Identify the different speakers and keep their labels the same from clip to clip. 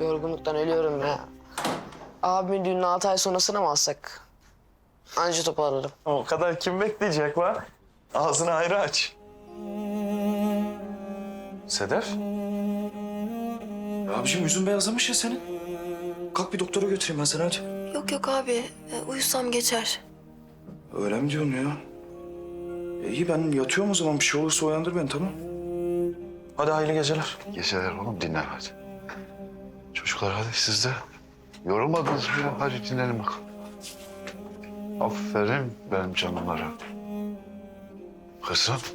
Speaker 1: Yorgunluktan ölüyorum ya. Abimin düğününü 6 ay sonrasına mı alsak? Anca toparlarım.
Speaker 2: O kadar kim bekleyecek lan? Ağzını ayrı aç. Sedef? Ya abiciğim yüzün beyazlamış ya senin. Kalk bir doktora götüreyim ben seni hadi.
Speaker 3: Yok yok abi. Uyusam geçer.
Speaker 2: Öyle mi diyorsun ya? İyi ben yatıyorum o zaman. Bir şey olursa uyandır beni tamam. Hadi hayırlı geceler.
Speaker 4: Geceler oğlum dinlen hadi. Çocuklar hadi siz de. Yorulmadınız mı ya? Hadi dinlenin bakalım. Aferin benim canımlara. Kızım.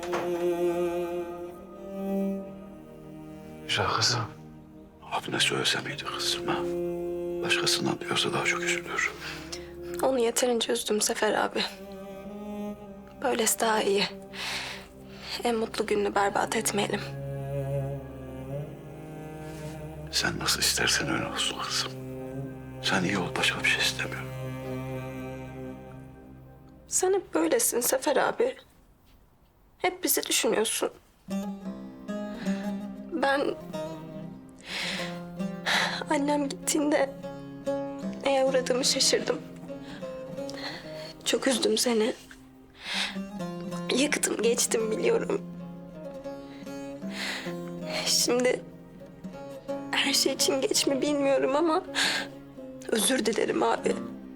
Speaker 4: Güzel kızım.
Speaker 5: Abine söylese miydi kızım ha? Başkasından duyarsa daha çok üzülür.
Speaker 3: Onu yeterince üzdüm Sefer abi. Böylesi daha iyi. En mutlu gününü berbat etmeyelim.
Speaker 5: Sen nasıl istersen öyle olsun kızım. Sen iyi ol, başka bir şey istemiyorum.
Speaker 3: Sen hep böylesin Sefer abi. Hep bizi düşünüyorsun. Ben... Annem gittiğinde neye uğradığımı şaşırdım. Çok üzdüm seni. Yıktım geçtim biliyorum. Şimdi her şey için geç mi bilmiyorum ama özür dilerim abi.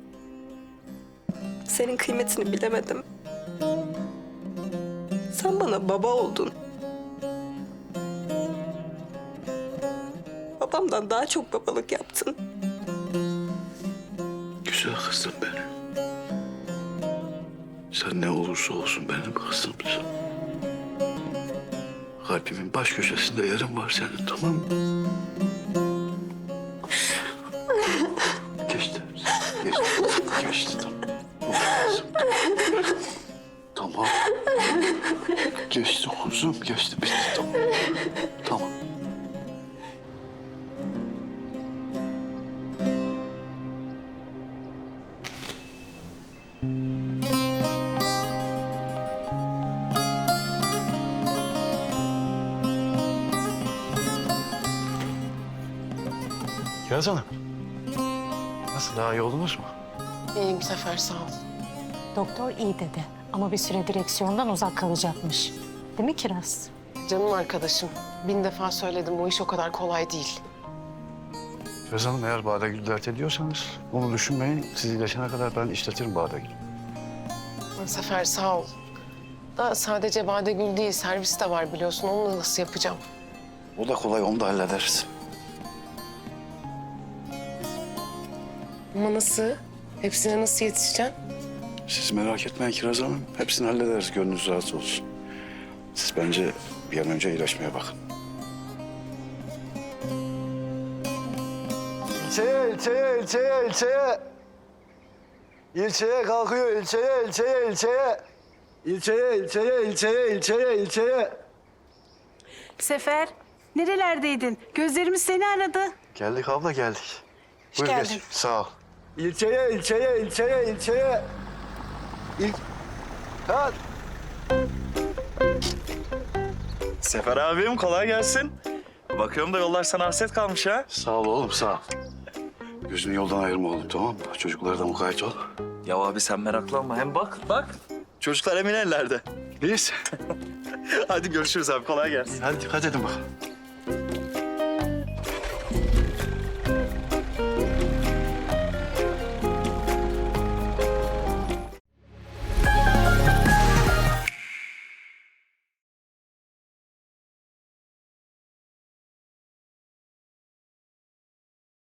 Speaker 3: Senin kıymetini bilemedim. Sen bana baba oldun. Babamdan daha çok babalık yaptın.
Speaker 5: Güzel kızım benim. Sen ne olursa olsun benim kızımsın. Kalbimin baş köşesinde yerin var senin, tamam mı? Geçti. Geçti. Geçti tamam. Tamam. Geçti kuzum, geçti. Bitti tamam. Tamam.
Speaker 4: Kiraz Hanım. Nasıl daha iyi oldunuz mu?
Speaker 1: İyiyim Sefer sağ ol.
Speaker 6: Doktor iyi dedi ama bir süre direksiyondan uzak kalacakmış. Değil mi Kiraz?
Speaker 1: Canım arkadaşım. 1000 defa söyledim bu iş o kadar kolay değil.
Speaker 4: Kiraz Hanım eğer Badegül'ü dert ediyorsanız bunu düşünmeyin. Siz iyileşene kadar ben işletirim Badegül'ü.
Speaker 1: Sefer sağ ol. Da sadece Badegül değil servis de var biliyorsun. Onu nasıl yapacağım?
Speaker 5: O da kolay, onu da hallederiz.
Speaker 1: Ama nasıl? Hepsine nasıl yetişeceğim?
Speaker 5: Siz merak etmeyin Kiraz Hanım. Hepsini hallederiz, gönlünüz rahat olsun. Siz bence bir an önce iyileşmeye bakın.
Speaker 7: İlçeye. İlçeye kalkıyor, ilçeye. İlçeye.
Speaker 8: Sefer, nerelerdeydin? Gözlerimiz seni aradı.
Speaker 4: Geldik abla geldik. Buyur
Speaker 8: geldin.
Speaker 4: geç. Sağ ol.
Speaker 7: İlçeye. Kalk.
Speaker 2: Sefer abim kolay gelsin. Bakıyorum da yollar sana hasret kalmış ha.
Speaker 5: Sağ ol oğlum, sağ ol. Gözünü yoldan ayırma oğlum, tamam mı? Çocuklara da mukayyet ol.
Speaker 2: Ya abi sen meraklanma. Hem bak. Çocuklar emin ellerde.
Speaker 5: İyiyiz.
Speaker 2: Hadi görüşürüz abi. Kolay gelsin.
Speaker 5: Hadi dikkat edin bakalım.